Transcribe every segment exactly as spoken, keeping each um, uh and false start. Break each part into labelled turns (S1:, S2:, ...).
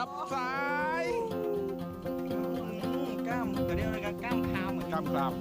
S1: จับสาย
S2: กล้ามตัวนี้อะไรกันกล้ามคามเหมือน
S1: กล้ามกราม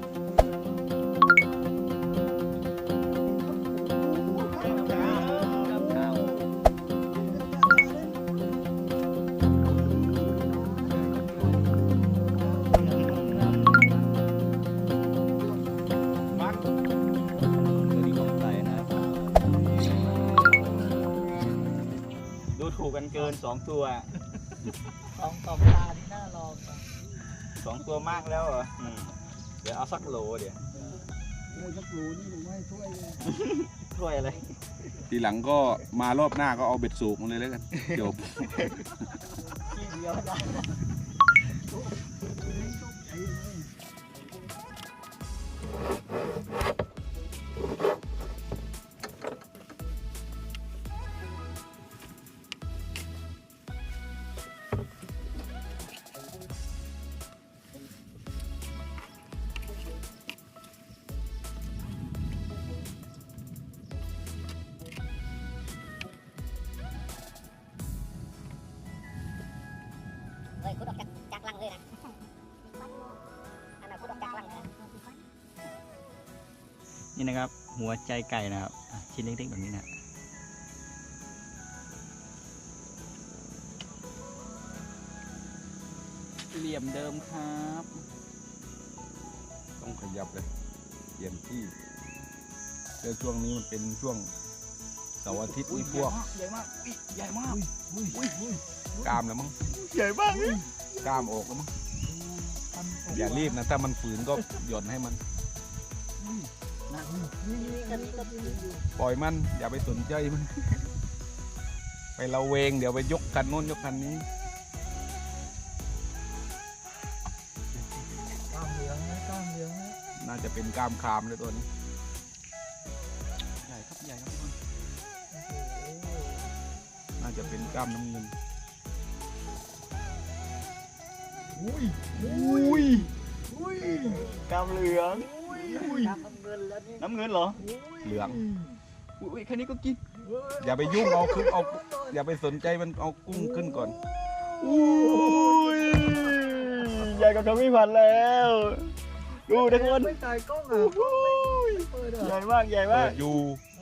S2: ถูกกันเกินสองตัว
S3: สองสองตาที่น่าลอง
S2: สองตัวมากแล้วเหรอเดี๋ยวเอาสักโหลเดี๋ยว
S3: เลยสักโหลนี่ผมให้ถ้วยเลย
S2: ถ้วยอะไร
S1: ทีหลังก็มารอบหน้าก็เอาเบ็ดสูบมาเลยแล้วกันจบ
S3: ที่เดียวได้
S4: เฮ้ยคุณออกจากจากลังเลยนะอันนั้นคุณออกจากลังเลย
S2: นี่นะครับหัวใจไก่นะครับชิ้นเล็กๆแบบนี้นะเหลี่ยมเดิมครับ
S1: ต้องขยับเลยเปลี่ยนที่แล้วช่วงนี้มันเป็นช่วงเสาร์อาทิตย์นี่พวก
S2: ใหญ่มากใหญ่มาก
S1: กล้ามแล้วมั้ง
S2: ใหญ่มาก
S1: กล้ามออกแล้วมั้งอย่ารีบนะถ้ามันฝืนก็หย่อนให้มันปล่อยมันอย่าไปสนใจมันไปเราเวงเดี๋ยวไปยกคันโน้นยกคันนี้
S3: กล้ามเหลืองนะกล้ามเหลืองนะ
S1: น่าจะเป็นกล้ามคามเลยตัวนี้
S2: ใหญ่ครับใหญ่ครับทุกคน
S1: น่าจะเป็นกล้ามน้ำเงิน
S3: อุ้ยอุ้ยอุ้ย
S2: กล้ามเหลือง
S3: อุ้ยน้ำเงินแล้วนี่
S2: น้ำเงินเหรอ
S1: เหลือง
S2: อุ้ยแค่นี้ก็กิน
S1: อย่าไปยุ่งเอาขึ้นเอาอย่าไปสนใจมันเอากุ้งขึ้นก่อน
S2: อุ้ยใหญ่กว่าคำพิพันธ์แล้วดูทุกคน
S3: ไม่ถ่ายกล้องอ่ะ
S2: ใหญ่มากใหญ่มาก
S1: อยู่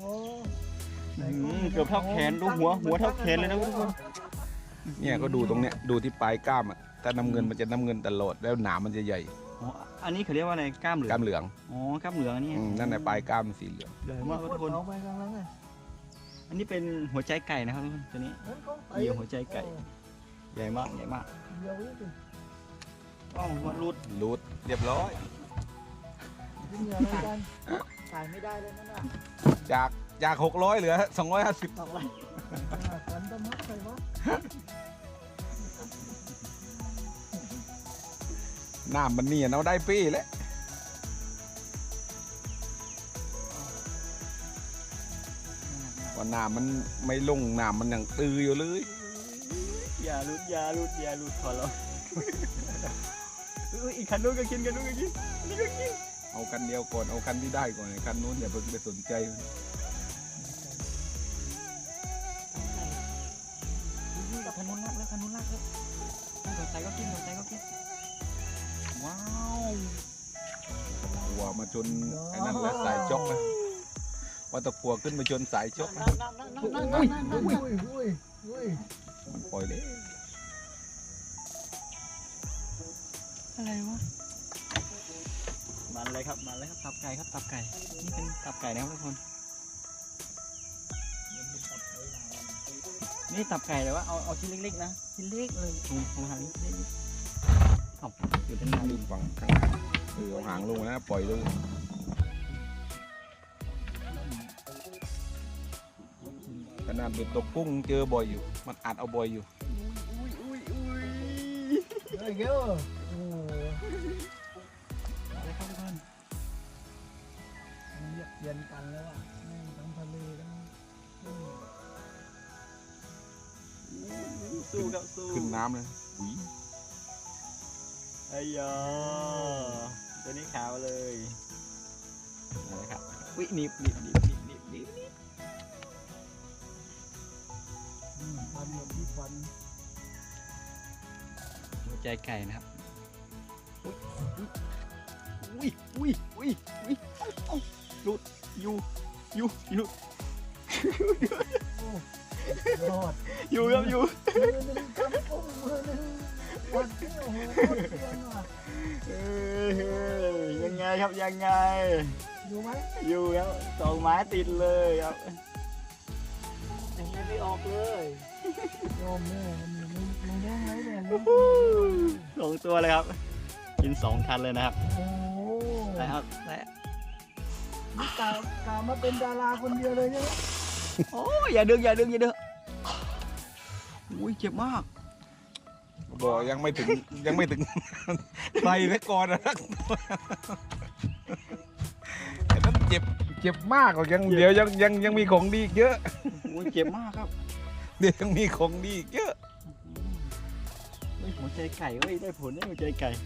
S2: เกือบเท่าแขนดูหัวหัวเท่าแขนเลยนะทุกคน
S1: เนี่ยก็ดูตรงเนี้ยดูที่ปลายกล้ามอ่ะถ้าน้ำเงินมันจะน้ำเงินตลอดแล้วหนามมันจะใหญ่
S2: อ๋ออันนี้เขาเรียกว่าอะไรกล้ามเหลือง
S1: กล้ามเหลือง
S2: อ๋อกล้ามเหลืองอันนี้
S1: นั่นแหละปลายกล้ามสีเหลือง
S2: ใหญ่มากทุกคนอันนี้เป็นหัวใจไก่นะครับทุกคนตัวนี้เหยี่ยวหัวใจไก่ใหญ่มากใหญ่มากอ้าวมันรูด
S1: รูดเรียบร้อย
S3: ถ่ายไม่ได้เลยนั่นน่ะ
S1: จากจากหกร้อยเหลือสองร้อยห้าสิบน้ำมันนี่เอาได้ปี้แล้วว่าน้ำมันไม่ลงน้ำมันยังตื้ออยู่เลย
S2: อย่าลุดอย่าลุดอย่าลุดขอร้องอีกคันนู้นก็กินกันนู้นก็กินนี่ก็กิน
S1: เอาคันเดียวก่อนเอาคันที่ได้ก่อนคันนู้นอย่าเพิ่งไปสนใจ
S2: คันนู้นลักแล้วคันนู้นลักแล้วหัวใจก็กินหัวใจก็กินว้าว
S1: หัวมาชนไอ้นั่นแล้วสายจกเลยว่าตะกัวขึ้นมาชนสายจกมันปล่อยเลย
S2: อะไรวะมันเลยครับมันเลยครับตับไก่ครับตับไก่นี่เป็นตับไก่นะครับทุกคนนี่ตับไก่แต่ว่าเอาเอาชิ้นเล็กๆนะชิ้นเล็กเลยถุงถุงหางเล็กๆเอาอยู่ด้านหน้า
S1: ดึงฝั่งข้างเออเอาหางลงนะปล่อยเลยขนาดเบ็ดตกกุ้งเจอบ่อยอยู่มันอัดเอาบ่อยอยู่
S2: อุ้ยอุ้ยอุ้ย
S3: เฮ้ยเก้อโอ้
S2: อะไรครับทุกคน
S3: เย็นกันแล้วอ่ะทั้งทะเลทั้ง
S2: สู้กับสู้
S1: ขึ้นน้ำเลยอุ้ย
S2: ไอ้ยาตัวนี้ขาวเลยนะครับอุ้ยหนีบหนีบหนีบหนีบหนีบหนีบ
S3: ฟันหมดที่ฟัน
S2: หัวใจไก่นะครับอุ้ยอุ้ยอุ้ยอุ้ยเอ้าเอ้าหลุดอยู่อยู่อยู่
S3: รอด
S2: อยู่ครับอยู่
S3: มือหนึ่งกำกุ้งมือหนึ่งวัดที่โอ้โหโคตรเก่งว่ะ
S2: เอ้ยยังไงครับยังไง
S3: อยู่ไหม
S2: อยู่ครับสองไม้ติดเลยครับ
S3: ยังไงไม่ออกเลยยอมแม่มันมันมันแย่งไรเนี่ย
S2: สองตัวเลยครับ กินสองคันเลยนะครับ
S3: โอ้โห
S2: ได้ครับได้
S3: นี่กาวกาวมาเป็นดาราคนเดียวเลยใช่ไหม
S2: โอ้ยอย่าดึงอย่าดึงอย่าดึงอุ้ยเจ็บมาก
S1: บอกยังไม่ถึงยังไม่ถึง ไปซะก่อนนะไอ้นั้นเจ็บเจ็บมากกว่ายังเดี๋ยวยังยังยังมีของดีอีกเยอะ
S2: อุ้ยเจ็บมากครับ
S1: เดี๋ยวยังมีของดีอีกเยอะ
S2: เฮ้ยหัวใจไก่เฮ้ยได้ผลได้หัวใจไก่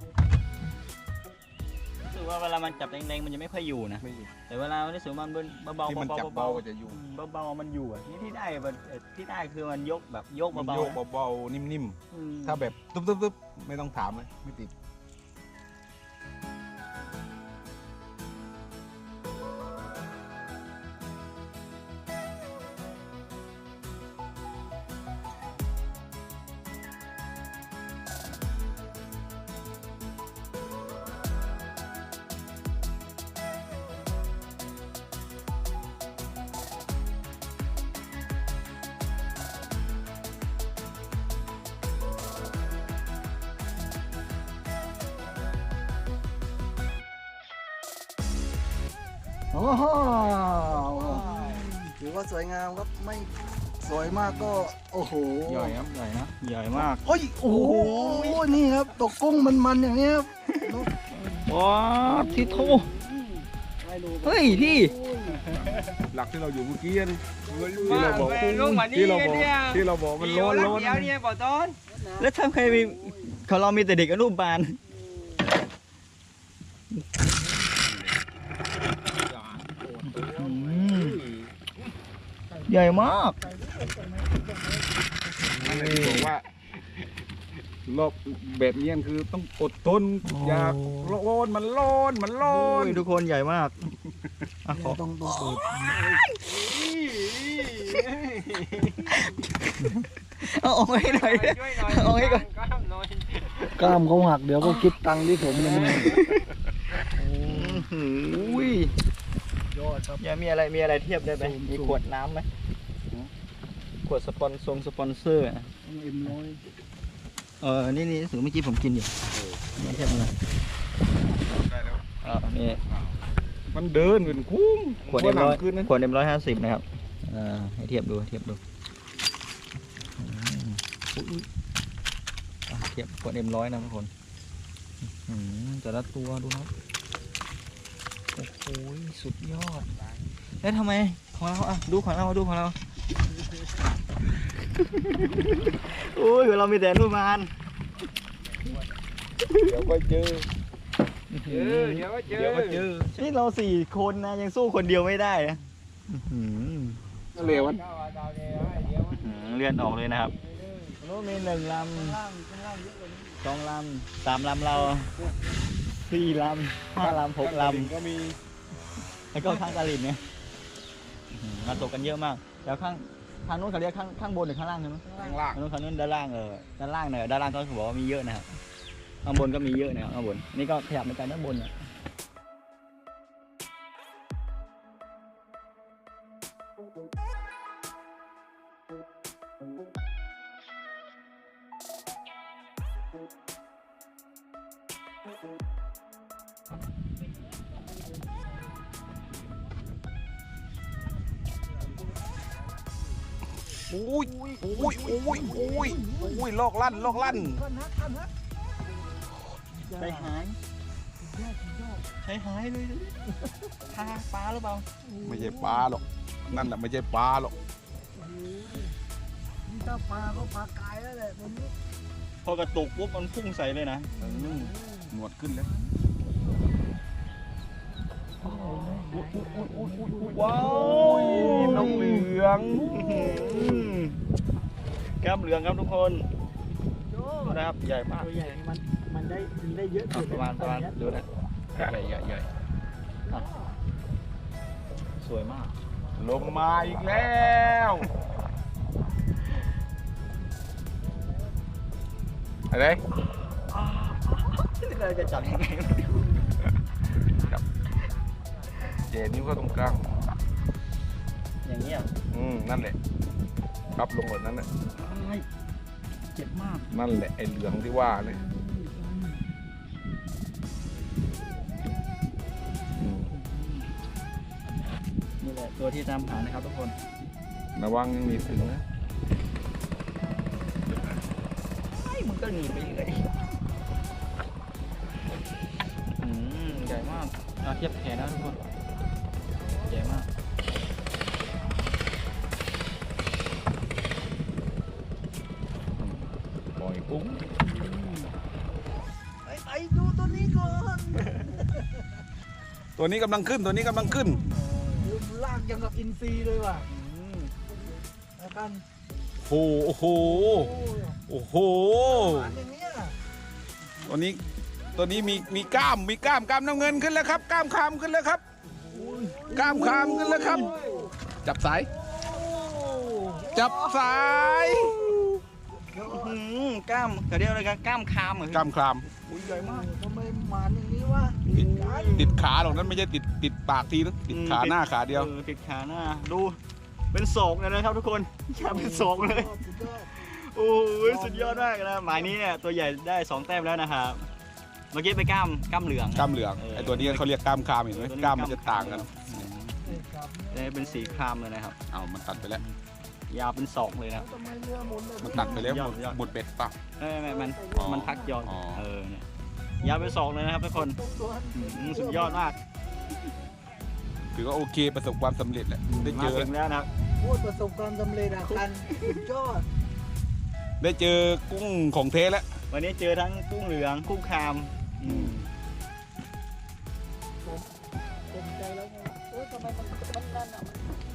S2: รู้สึกว่าเวลามันจับแรงๆมันจะไม่ค่อยอยู่นะ
S1: ไม่อยู่
S2: แต่เวลามันรู้สึกว่ามันเบาๆ
S1: ที่มันจับ
S2: เบา
S1: เบาๆจะอยู่
S2: ๆเบาๆมันอยู่อ่ะนี่ที่ได้มันเอ่อที่ได้คือมันยกแบบยก
S1: มัน
S2: เบา
S1: โย
S2: ๆ
S1: ก
S2: นะ
S1: เบาๆนิ่ม
S2: อืม
S1: ๆถ้าแบบตุ๊บตุ๊บตุ๊บไม่ต้องถามเลยไม่ติด
S3: โอ้โหถือว่าสวยงามครับไม่สวยมากก็โอ้โห
S2: ใหญ่ครับใหญ่นะใหญ่มาก
S3: เฮ้ยโอ้โหนี่ครับตกกุ้งมันๆอย่างนี้ครับ
S2: ว้าที่โทเฮ้ยพี่
S1: หลักที่เราอยู่เมื่อกี้นี่
S5: มา
S1: ที่เราบอก
S5: แม่ลูกมานี่
S1: ที่เราบอก
S5: เนี่ย
S1: ที่เราบอกมันร้อนร้อน
S5: เดี๋ยวเนี่ยบอกต้น
S2: แล้วทำใครมีเขาเรามีแต่เด็กอนุบาลใหญ่มาก
S1: นั่นแหละที่บอกว่ารอบแบบนี้คือต้องอดทนอย่าร้อนมันร้อนมันร้อ
S2: โอ้
S1: น
S2: ยทุกคนใหญ่มากอ่ะขอ
S3: ต้องต้องเปิด
S2: เอาออกให้หน่อย
S5: ช่วยหน่อย
S2: เอาให้ก่อน
S5: ก็ทำหน่อย
S3: กล้ามเขาหักเดี๋ยวก็คิดตังค์ที่ผมเลย
S2: อุ้ย
S3: ยอดครับ
S2: อย่ามีอะไรมีอะไรเทียบได้ไหม
S3: สูง
S2: มี
S3: สูง
S2: ขวดน้ำไหมขวดสปอนซงสปอนเซอร์อะ
S3: เอ็มร้อย
S2: เออนี่นี่สูงเมื่อกี้ผมกินอยู่นี่เทียบเลย
S1: ได้แล้ว
S2: อ่านี่
S1: มันเดินเป็นคุ้ม
S2: ขวดเอ็มร้อย
S1: ขึ้นนะ
S2: ขวดเอ็มร้อยห้าสิบนะครับอ่าให้เทียบดูให้เทียบดูอืมอุ๊ยอุ๊ยอ่ะเทียบขวดเอ็มร้อยนะทุกคนอืมแต่ละตัวดูครับโอ้โหสุดยอดแล้วทำไมของเราอ่ะดูของเราดูของเราโอ้ยเรามีแต่อนุบาล
S1: เดี๋ยวก็เจอ
S5: เจอเดี๋ยวก็เจอ
S1: เดี๋ยวก็เจอ
S2: นี่เราสี่คนนะยังสู้คนเดียวไม่ได้นะอื้อหือ
S1: เร็วมัน
S5: เจ้าว่าเจ้าเดี๋ยวเดี๋ยวมัน
S2: อืมเลื่อนออกเลยนะครับโน้มีหนึ่งล
S3: ล่างข้างล่างเยอะกว่านี้
S2: ำสองลำสามลำเราสี่ลำห้าลำหกล
S1: ก็มี
S2: ำแล้วก็ข้างตาลินเนี่ยอื้อหือมาตกกันเยอะมากแล้วข้างทางนู้นเขาเรียกข้างข้างบนหรือข้างล่างใช่ไหม
S1: ข้างล่าง
S2: ทางนู้นข้างนู้นด้านล่างเออด้านล่างเนี่ยด้านล่างก็บอกว่ามีเยอะนะครับข้างบนก็มีเยอะนะครับข้างบนนี่ก็ขยับมาจากด้านบนเนี่ย
S1: โอ้ยโอ้ยโอ้ยโอ้ยโอ้ยลอกลั่นลอกลั่น
S3: ท่านฮะท่านฮะ
S2: ใจหายใจหายเลยดูดิทาปลาหรือเปล่า
S1: ไม่ใช่ปลาหรอกนั่นแหละไม่ใช่ปลาหรอก
S3: นี่ถ้าปลาก็ปลากายแล้วแหละตรงนี้
S2: พอกระตุกปุ๊บมันพุ่งใส่เลยนะ
S1: อืมหนวดขึ้นแล้ว
S2: ว้า
S1: โอ้ยนกเหลือง
S2: แก้มเหลืองครับทุกคน
S3: โย
S2: ดูนะครับใหญ่มาก
S3: ตัวใหญ่นี่มันมันได้มันได้เยอะ
S2: อ่ะประมาณประมาณดูนะใหญ่ใหญ่ใหญ่อ่ะสวยมาก
S1: ลงมาอีกแล้วอะไร
S2: เราจะจับยังไง
S1: จับเจนิ้วเข้าตรงกลาง
S2: อย่างเงี้ย
S1: อืมนั่นแหละครับลงแบบนั้นแหละ
S2: เจ็บมาก
S1: นั่นแหละไอ้เหลืองที่ว่าเลยอืม
S2: นี่แหละตัวที่ตามหานะครับทุกคน
S1: ระวังยังมีถึงนะ
S2: ไอ้มันก็หนีไปเลยอืมใหญ่มากเอาเทียบแขนนะทุกคนใหญ่มากอืม
S1: ปล่อยปุ้ง
S3: ไอ้ไอ้ดูตัวนี้ก่อน
S1: ตัวนี้กำลังขึ้นตัวนี้กำลังขึ้น
S3: รูปร่างยังกับอินซีเลยว่ะ
S2: อืม
S3: แล้วกัน
S1: โอ้โห
S3: โอ้
S1: โอ้โห
S3: หวานอย่างเนี้ย
S1: ตัวนี้ตัวนี้มีมีกล้ามมีกล้ามกล้ามน้ำเงินขึ้นแล้วครับกล้ามคามขึ้นแล้วครับกล้ามคามขึ้นแล้วครับ จับสาย จับสาย
S2: อืมกล้ามเขาเรียกอะไรกันกล้ามคามเหรอก
S1: ล้ามคลาม
S2: อุ้ยใหญ่มาก
S3: ทำไมหวานอย่างนี้วะ
S1: ติดติดขาหรอกนั้นไม่ใช่ติดติดปากทีนะติดขาหน้าขาเดียว
S2: ออติดขาหน้าดูเป็นศอกเลยนะครับทุกคนแค่เป็นศอกเลย
S3: สุดยอด
S2: โอ้ยสุดยอดมากนะหมายนี้เนี่ยตัวใหญ่ได้สองแต้มแล้วนะครับเมื่อกี้ไปกล้ามกล้ามเหลือง
S1: กล้ามเหลืองไอตัวนี้เขาเรียกกล้ามคามเห็นไหมกล้ามมันจะต่างกัน
S3: เลยครับ
S2: ได้เป็นสีครามเลยนะครับ
S1: เอามันตัดไปแล้ว
S2: ยาวเป็นศอกเลยนะ
S3: ทำไมเรือหมุนแบบ
S1: มันตัดไปแล้ว
S2: ยอ
S1: หม
S2: ด
S1: ด
S2: ยอด
S1: หมดเบ็ดป่ะ
S2: ไม่ไม่มัน
S1: อ๋อ
S2: มันพักยอน
S1: อ๋อ
S2: เออเนี่ยยาวเป็นศอกเลยนะครับทุกคน
S3: ตัว
S2: อืมสุดยอดมาก
S1: ถือว่าโอเคประสบความสำเร็จแหละได้เจ
S2: มา
S1: อ
S2: ถึงแล้วนะครับ
S3: พูดประสบความสำเร็จอะกันสุดยอด
S1: ได้เจอกุ้งของเทแล้ว
S2: วันนี้เจอทั้งกุ้งเหลืองกุ้งครามอืม
S3: เต็มใจแล้วไงโอ้ยทำไมมันมันนั่นอะ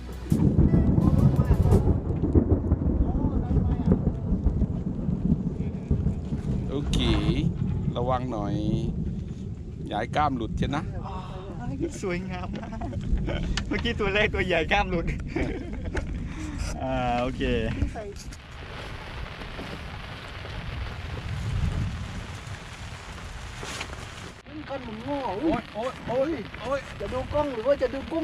S1: โอเค ระวังหน่อยอย่าให้กล้ามหลุดใช่นะ
S2: สวยงามมากเมื่อกี้ตัวเล็กตัวใหญ่กล้ามหลุดอ่าโอเค
S3: กันหมุนโง่
S1: โอ้ยโอ้ยโอ้ยโอ้ย
S3: จะดูกล้องหรือว่าจะดูกุ้ง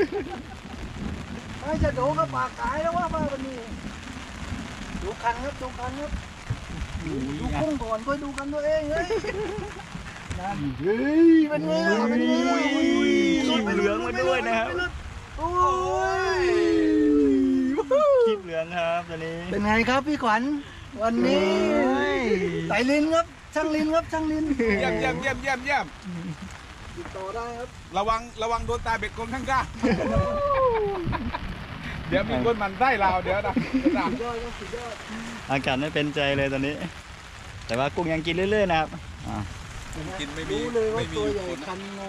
S3: ไม่จะดูก็ปากกายแล้วว่ามาวันนี้ดูคันครับดูคันครับดูกุ้งก่อนค่อยดูกันตัวเองเฮ้ยนั่นเฮ้ยเป็นไงล่ะเป็นไงล่ะ
S2: ขีบเหลืองมาด้วยนะครับ
S3: โอ้ย
S2: ขีบเหลืองครับตัวนี้
S3: เป็นไงครับพี่ขวัญวันนี้ไต่ลินครับช่างลินครับช่างลิน
S1: เยี่ยมเยี่ยมเยี่ยมเยี่ยมเยี่ยม
S3: ติดต่อได้ครับ
S1: ระวังระวังโดนตาเบ็ดกลมทั้งก้าเดี๋ยวมีคนหมันไส้เราเดี๋ยวนะ
S3: สุดยอดครับสุดยอด
S2: อากาศไม่เป็นใจเลยตอนนี้ แต่ว่ากุ้งยังกินเรื่อยๆนะครับอ่า
S1: กินไม่มี
S3: รู้เลยว่า
S1: ไม่มี
S3: ตัวใหญ่
S1: คน
S3: คันงอ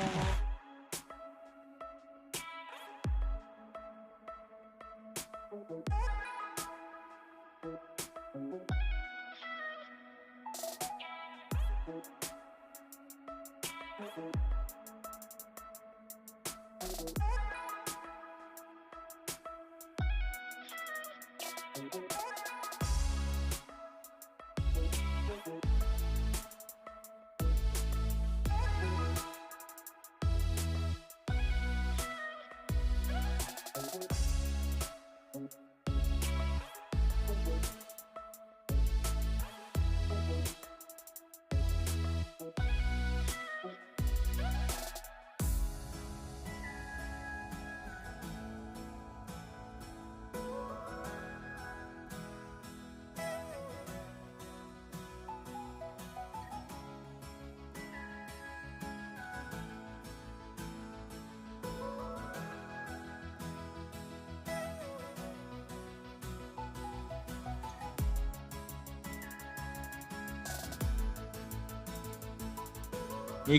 S2: อีก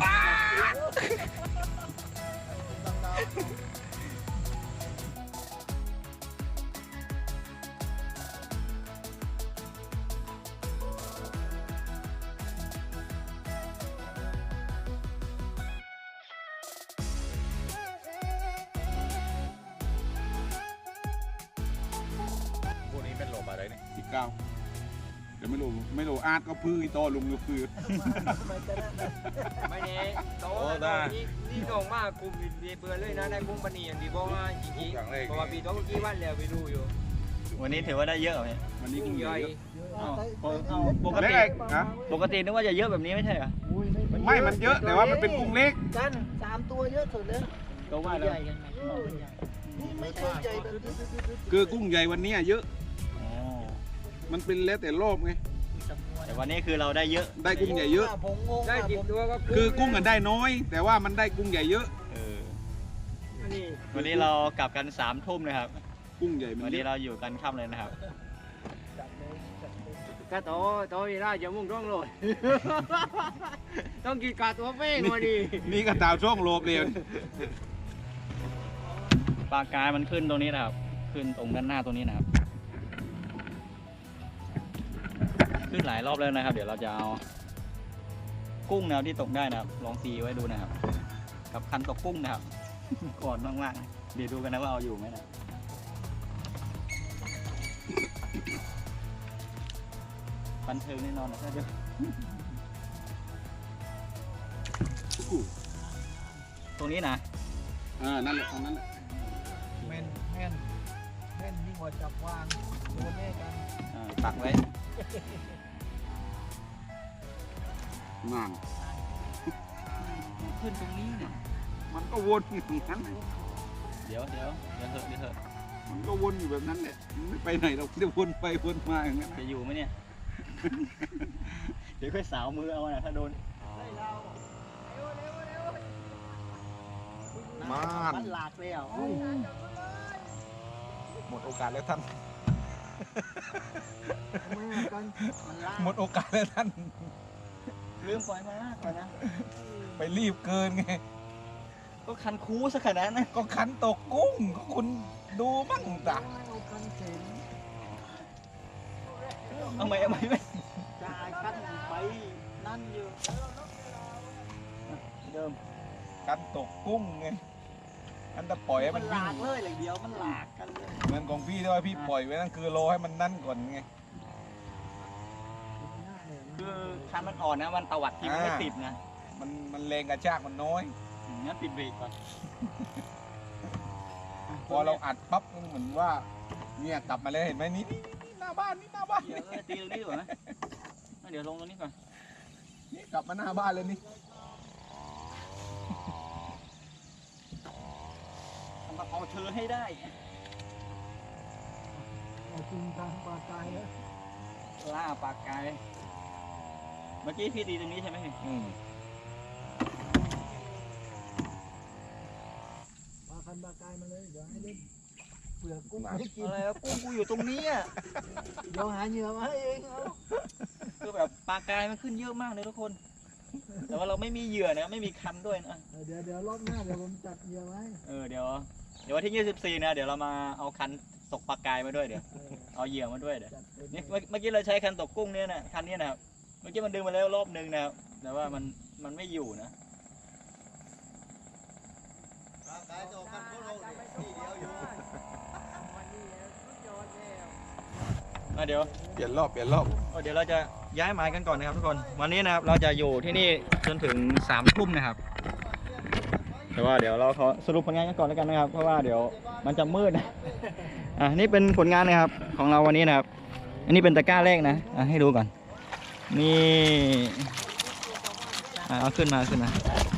S1: เนี่ยอีกเก้าเดี๋ยวไม่รู้ไม่รู้อาร์ตก็พื้นโตลุงก็พื้น
S5: ไม่แน่โตแล้วนี่นี่ตรงมากกูมีเบื่อเลยนะได้กุ้งปนีอย่างที่บอกว่าจริงๆเพราะว่าปีโตเมื่อกี้วันแล้วไปดูอยู่
S2: วันนี้ถือว่าได้เยอะไหม
S1: วันนี้
S5: กุ้
S1: กุ้
S5: ง
S1: ง
S5: ให
S1: ให
S5: ญ่
S1: ญ่
S2: อ้าวเอาปก
S1: เล็
S2: ติ
S1: กฮะ
S2: ปกตินึกว่าจะเยอะแบบนี้ไม่ใช่เหรอ
S3: อุ้ย
S1: ไม่มันเยอะแต่ว่ามันเป็นกุ้งเล็ก
S3: กันสามตัวเยอะสุดเลย
S2: ก็ว่าแล้ว
S3: นี่ไม่ใช่ใหญ่แบบนี้
S1: คือกุ้งใหญ่วันนี้เยอะ
S2: อ๋อ
S1: มันเป็นแล้วแต่รอบไง
S2: แต่วันนี้คือเราได้เยอะ
S1: ได้กุ้งใหญ่เยอะ
S3: ผมงง
S5: ได้จิบตัวก็
S1: คือกุ้งกันได้น้อย แต่ว่ามันได้กุ้งใหญ่เยอะ
S2: เออ
S5: นี่
S2: วันนี้เรากลับกันสามทุ่มนะครับ
S1: กุ้งใหญ่มัน
S2: วัน
S1: เย
S2: นี้
S1: อะ
S2: เราอยู่กันค่ำเลยนะครับ
S5: ก็โตโตอีน่าจะมุ่งต้องเลยต้องกินกาตัวเป้งมาดิ
S1: นี่ก็ดาวช่องโลบเลย
S2: ปลากายมันขึ้นตรงนี้นะครับ ขึ้นตรงด้านหน้าตรงนี้นะครับ ขึ้นหลายรอบแล้วนะครับ เดี๋ยวเราจะเอากุ้งแนวที่ตกได้นะครับ ลองซีไว้ดูนะครับ กับคันตกกุ้งนะครับ ก่อนมากๆเดี๋ยวดูกันนะว่าเอาอยู่ไหมนะบันเทิงแน่นอนนะครับเดี๋ยวตรงนี้นะ
S1: อ่านั่นแหละตรงนั้นแหละ
S3: แม่นแม่นแม่นยิ่งกว่าจับวางตัวแม่กัน
S2: อ่าตักไว้
S1: นั่น
S2: ขึ้นตรงนี้เนี่ย
S1: มันก็วนอยู่อย่างนั้น
S2: เดี๋ยวเดี๋ยวเดี๋ยวเถอะเดี๋ยวเถอะ
S1: มันก็วนอยู่แบบนั้นแหละมันไม่ไปไหนเราจะวนไปวนมาอย่างนั้น
S2: จะอยู่ไหมเนี่ย เดี๋ยวค่อยสาวมือเอานะถ้าโดน
S1: มาน
S3: มันหลากเลยอ่ะ
S1: หมดโอกาสแล้วท่าน
S3: แม่กันมันลาก
S1: หมดโอกาสแล้วท่าน
S2: ลืมปล่อยมาก่อนนะ
S1: ไปรีบเกินไง
S2: ก็คันคูสักขนาดนั้น
S1: ก็ขันตกกุ้งก็คุณดูบ้างจ้ะ
S3: เอากันเข็น
S2: เอาไหมเอาไหมไม่
S3: จ่ายกันไปนั่นอยู่
S2: เดิม
S1: ขันตกกุ้งไงอันจะปล่อยให้
S3: มั
S1: มัน น
S3: ห
S1: วิ่
S3: ลาง กเลยอย่างเดียวมันหลากกันเลย
S1: เหมือนของพี่ที่ว่าพี่ปล่อยไว้นั่นคือรอให้มันนั่นก่อนไง
S2: คือคันมันอ่อนนะมันตวัดทีมันไม่
S1: อ่า
S2: ติดนะ
S1: มันมันแรงกระชากมันน้อย
S2: อืมงั้นปิดเบรกก่อน
S1: พอเราอัดปั๊บมันเหมือนว่าเนี่ยกลับมาแล้วเห็นไหมนี่นี่นี่หน้าบ้านนี่หน้าบ้าน
S2: เดี๋ยวเออตีตรงนี้ดีกว่าไหมเดี๋ยวลงตรงนี้ก่อน
S1: นี่กลับมาหน้าบ้านเลยนี่
S2: ทำมาเอาเธอให้ได้
S3: เอาจริงทางปลาตายแล้ว
S2: ล่าปลากาย เมื่อกี้พี่ตีตรงนี้ใช่ไหมพี่
S1: อืม
S3: ปลาคันปลาตายมาเลยเดี๋ยวให้เล่นเปลือกกุ้งให้กิน
S2: อะไรวะกุ้งกูอยู่ตรงนี้อ่ะ
S3: เดี๋ยวหาเหยื่อมาให้เองเอา
S2: คือแบบปลากายมันขึ้นเยอะมากเลยทุกคน แต่ว่าเราไม่มีเหยื่อนะไม่มีคันด้วยนะ
S3: เดี๋ยวเดี๋ยวรอบหน้าเดี๋ยวผมจัดเหยื่อไว้
S2: เออเดี๋ยวเดี๋ยววันที่ยี่สิบสี่นะเดี๋ยวเรามาเอาคันตกปลากายมาด้วยเดี๋ยว
S3: เออ
S2: เอาเหยื่อมาด้วยเดี๋ยว
S3: จัดไป
S2: นี่เมื่อเมื่อกี้เราใช้คันตกกุ้งเนี่ยนะคันนี้นะครับเมื่อกี้มันดึงมาแล้วรอบนึงนะครับแต่ว่ามันมันไม่อยู่นะอ่ะเดี๋ยว
S1: เปลี่ยนรอบเปลี่ยนรอบ
S2: เดี๋ยวเราจะย้ายหมายกันก่อนนะครับทุกคนวันนี้นะครับเราจะอยู่ที่นี่จนถึงสามทุ่มนะครับแต่ว่าเดี๋ยวเราขอสรุปผลงานกันก่อนแล้วกันนะครับเพราะว่าเดี๋ยวมันจะมืดนะอ่ะนี่เป็นผลงานนะครับของเราวันนี้นะครับ อันนี้เป็นตะกร้าแรกนะอ่ะให้ดูก่อนนี่อ่ะเอาขึ้นมาขึ้นมา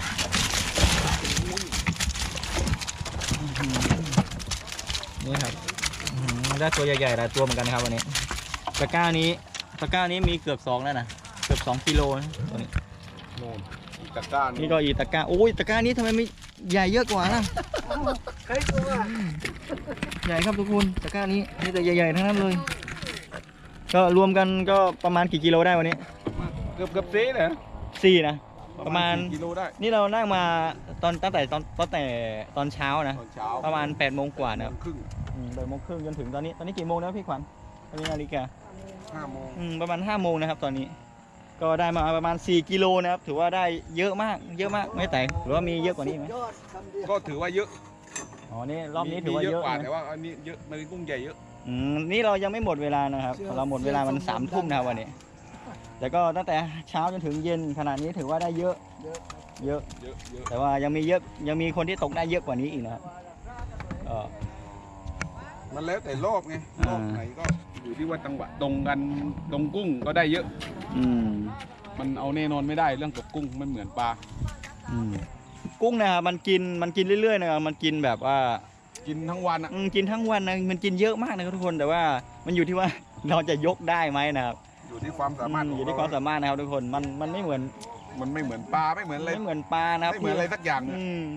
S2: นี่ครับอื้อหือได้ตัวใหญ่ๆหลายตัวเหมือนกันนะครับวันนี้ตะกร้านี้ตะกร้านี้มีเกือบสองแล้วนะเกือบสองกิโลนะตัวนี้
S1: โน่นตะกร้า
S2: นี่ก็อีตะกร้าโอ้ยตะกร้านี้ทำไมไม่ใหญ่เยอะกว่าล่ะ
S3: ใครตัว
S2: ใหญ่ครับทุกคนตะกร้านี้นี่แต่ใหญ่ๆทั้งนั้นเลย ก็รวมกันก็ประมาณกี่กิโลได้วันนี้
S1: เกือบเกือบเซ่เลยนะ
S2: สี่นะประมาณ
S1: สี่กิโลได้
S2: นี่เรานั่งมาตอนตั้งแต่ตอนตั้งแต่ตอนเช้านะ
S1: ตอนเช้า
S2: ประมาณแปดโมงกว่านะครับ
S1: ครึ่ง
S2: อืมแปดโมงครึ่งจนถึงตอนนี้ตอนนี้กี่โมงแล้วพี่ขวัญตอนนี้นาฬิกา
S1: ห้าโมง
S2: อืมประมาณห้าโมงนะครับตอนนี้ ก็ได้มาประมาณสี่กิโลนะครับถือว่าได้เยอะมากเยอะมากไม่แต่หรือว่ามีเยอะกว่านี้ไหม
S3: ยอดคำเดียว
S1: ก็ถือว่าเยอะ
S2: อ๋อนี่รอบนี้ถือว่าเยอะ
S1: กว่า
S2: นะ
S1: แต่ว่าอันนี้เยอะมันเป็นกุ้งใหญ่เยอะ
S2: ออืมนี่เรายังไม่หมดเวลานะครับ เราหมดเวลามันสามทุ่มนะครับวันนี้แต่ก็ตั้งแต่เช้าจนถึงเย็นขนาดนี้ถือว่าได้เยอะ
S3: เยอะ
S2: เยอะ
S1: เยอะเยอะ
S2: แต่ว่ายังมีเยอะยังมีคนที่ตกได้เยอะกว่านี้อีกนะครับก็
S1: มันแล้วแต่รอบไง
S2: อ่าร
S1: อบไหนก็อยู่ที่ว่าจังหวะตรงกันตรงกุ้งก็ได้เยอะ
S2: อืม
S1: มันเอาแน่นอนไม่ได้เรื่องตกกุ้งไม่เหมือนปลา
S2: อืมกุ้งนะครับมันกินมันกินเรื่อยๆนะครับมันกินแบบว่า
S1: กินทั้งวันอ่ะ
S2: อืมกินทั้งวันนะมันกินเยอะมากนะครับทุกคนแต่ว่ามันอยู่ที่ว่า เราจะยกได้ไหมนะครับ
S1: อยู่ที่ความสามารถ
S2: อื
S1: ข
S2: ม
S1: อง
S2: อยู่ที่ความสามารถนะครับทุกคนมันมันไม่เหมือน
S1: มันไม่เหมือนปลาไม่เหมือนอะไร
S2: ไม่เหมือนปลานะครับ
S1: ไม่เหมือนอะไรสักอย่าง
S2: อืม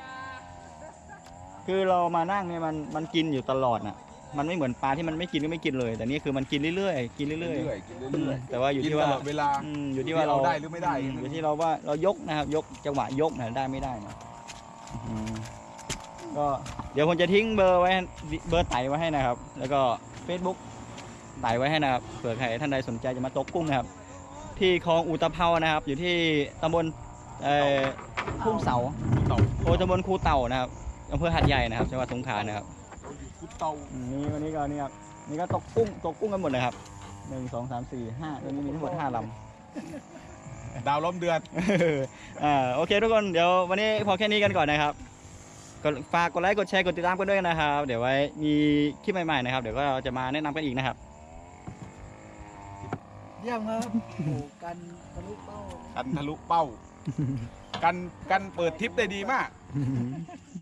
S2: คือเรามานั่งเนี่ยมันมันกินอยู่ตลอดน่ะ มันไม่เหมือนปลาที่มันไม่กินก็ไม่กินเลย แต่นี่คือมันกินเรื่อยๆกินเรื่อย
S1: เรื่อยๆกิน
S2: ๆอื
S1: เรื่
S2: ม
S1: อย
S2: แต่ว่า
S1: ๆ
S2: อยู่
S1: กิน
S2: ที่
S1: ต
S2: ว่า
S1: ลอดเวลา
S2: อืมอยู่ที่ว่าเรา
S1: ได้หรือไม่ได้
S2: อือยู่ที่เราว่าเรายกนะครับ ยกจังหวะยกนะได้ไม่ได้นะอืมก็เดี๋ยวผมจะทิ้งเบอร์ไว้เบอร์ไต่ไว้ให้นะครับ แล้วก็ Facebook ไต่ไว้ให้นะครับเผื่อใครท่านใดสนใจจะมาตกกุ้งนะครับ ที่คลองอุตภเปานะครับ อยู่ที่ตำบลเอ่อทุ่งเสา
S1: เต่า
S2: โอ้ตำบลคูเต่านะครับอำเภอหัดใหญ่นะครับจังหวัดสงขลานะครับ
S1: คุดเต่า
S2: อืมนี่วันนี้ก็นี่ครับนี่ก็ตกกุ้งตกกุ้งกันหมดเลยครับหนึ่งสองสามสี่ห้าตอนนี้มีทั้งหมดห้าลำ
S1: ดาวล้อมเดือน
S2: อ่าโอเคทุกคนเดี๋ยววันนี้พอแค่นี้กันก่อนนะครับกดฝากกดไลค์กดแชร์กดติดตามกันด้วยนะครับ เดี๋ยวไว้มีคลิปใหม่ๆนะครับเดี๋ยวก็จะมาแนะนำกันอีกนะครับ
S3: เยี่ยมครับโอ้กันทะลุเป้า
S1: กันทะลุเป้า กันกันเปิดทิปได้ดีมาก